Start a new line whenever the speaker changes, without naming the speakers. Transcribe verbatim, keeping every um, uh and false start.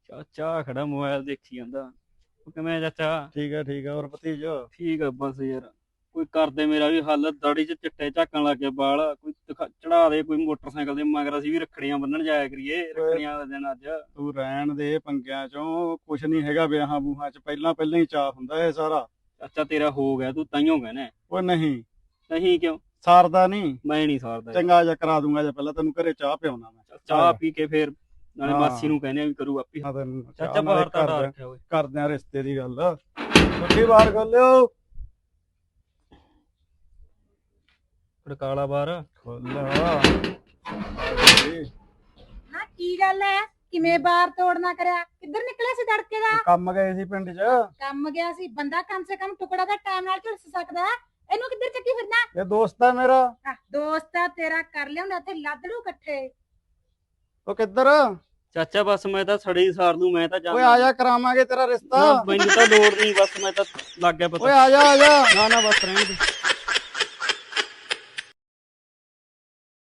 ਚਾਚਾ ਖੜਾ ਮੋਬਾਈਲ ਦੇਖੀ ਜਾਂਦਾ। ਉਹ ਕਿਵੇਂ ਚਾਚਾ?
ਠੀਕ ਹੈ ਠੀਕ ਹੈ। ਹੋਰ ਭਤੀਜ?
ਠੀਕ ਆ ਬਸ ਯਾਰ, ਕੋਈ ਕਰਦੇ ਮੇਰਾ ਵੀ ਹੱਲ। ਦਾੜੀ 'ਚ ਚਿੱਟੇ ਝਾਕਣ ਲੱਗ ਗਿਆ ਬਾਲ। ਕੋਈ ਚੜਾ ਦੇ ਕੋਈ ਮੋਟਰਸਾਈਕਲ ਦੇ ਮਗਰ, ਅਸੀਂ ਵੀ ਰੱਖੜੀਆਂ ਬੰਨਣ ਜਾਇਆ ਕਰੀਏ। ਰੱਖੜੀਆਂ ਦਾ ਦਿਨ ਅੱਜ।
ਤੂੰ ਰਹਿਣ ਦੇ ਪੰਗਿਆਂ ਚੋਂ, ਕੁਛ ਨਹੀਂ ਹੈਗਾ ਵਿਆਹਾਂ ਬੂਹਾਂ ਚ, ਪਹਿਲਾਂ ਪਹਿਲਾਂ ਹੀ ਚਾਹ ਹੁੰਦਾ ਇਹ ਸਾਰਾ।
ਚਾਚਾ ਤੇਰਾ ਹੋ ਗਿਆ, ਤੂੰ ਤਾਈਓ ਕਹਿਣਾ।
ਉਹ ਨਹੀਂ
ਨਹੀਂ ਕਿਉਂ?
ਸਾਰਦਾ ਨਹੀਂ।
ਮੈਂ ਨਹੀਂ ਸਾਰਦਾ।
ਚੰਗਾ ਜਾ ਕਰਾ ਦੂੰਗਾ ਜਾਂ ਪਹਿਲਾਂ ਤੈਨੂੰ ਘਰੇ ਚਾਹ ਪਿਆਉਣਾ ਮੈਂ।
ਚਾਹ ਪੀ ਕੇ ਫੇਰ ਨਾਲੇ ਮਾਸੀ ਨੂੰ ਕਹਿੰਦੇ ਆ ਵੀ ਕਰੂ ਆਪੀ। ਚਾਚਾ ਬਾਹਰ ਤਾਂ ਡਰ ਰੱਖਿਆ ਓਏ।
ਕਰਦੇ ਆ ਰਿਸ਼ਤੇ ਦੀ ਗੱਲ। ਮੁੱਠੀ ਬਾਹਰ ਖੋਲਿਓ।
ਖੜਕਾਲਾ ਬਾਹਰ
ਖੋਲਿਆ
ਨਾ। ਕੀ ਗੱਲ ਹੈ? ਕਿਵੇਂ ਬਾਹਰ ਤੋੜਨਾ ਕਰਿਆ? ਕਿੱਧਰ ਨਿਕਲਿਆ ਸੀ ਤੜਕੇ ਦਾ?
ਕੰਮ ਗਏ ਸੀ ਪਿੰਡ 'ਚ।
ਕੰਮ ਗਿਆ ਸੀ ਬੰਦਾ, ਕਮ ਸੇ ਕਮ ਟੁਕੜਾ ਦਾ ਟਾਈਮ ਨਾਲ ਝੁਲਸ ਸਕਦਾ। ਇਹਨੂੰ ਕਿੱਧਰ ਚੱਕੀ ਫਿਰਨਾ?
ਇਹ ਦੋਸਤ ਆ ਮੇਰਾ।
ਦੋਸਤ ਆ ਤੇਰਾ, ਕਰ ਲਿਆਉਂਦਾ ਇੱਥੇ ਲੱਦੜੂ ਇਕੱਠੇ।
ਉਹ ਕਿੱਧਰ?
ਚਾਚਾ ਬਸ ਮੈਂ ਤਾਂ ਸੜੇ ਹੀ ਸਾਰ ਦੂੰ। ਮੈਂ ਤਾਂ
ਓਏ ਆ ਜਾ, ਕਰਾਵਾਂਗੇ ਤੇਰਾ ਰਿਸ਼ਤਾ।
ਮੈਨੂੰ ਤਾਂ ਲੋੜ ਨਹੀਂ, ਬਸ ਮੈਂ ਤਾਂ ਲੱਗ ਗਿਆ ਪਤਾ।
ਓਏ ਆ ਜਾ ਆ ਜਾ।
ਨਾ ਨਾ ਬਸ ਰਹਿਣ ਦੇ।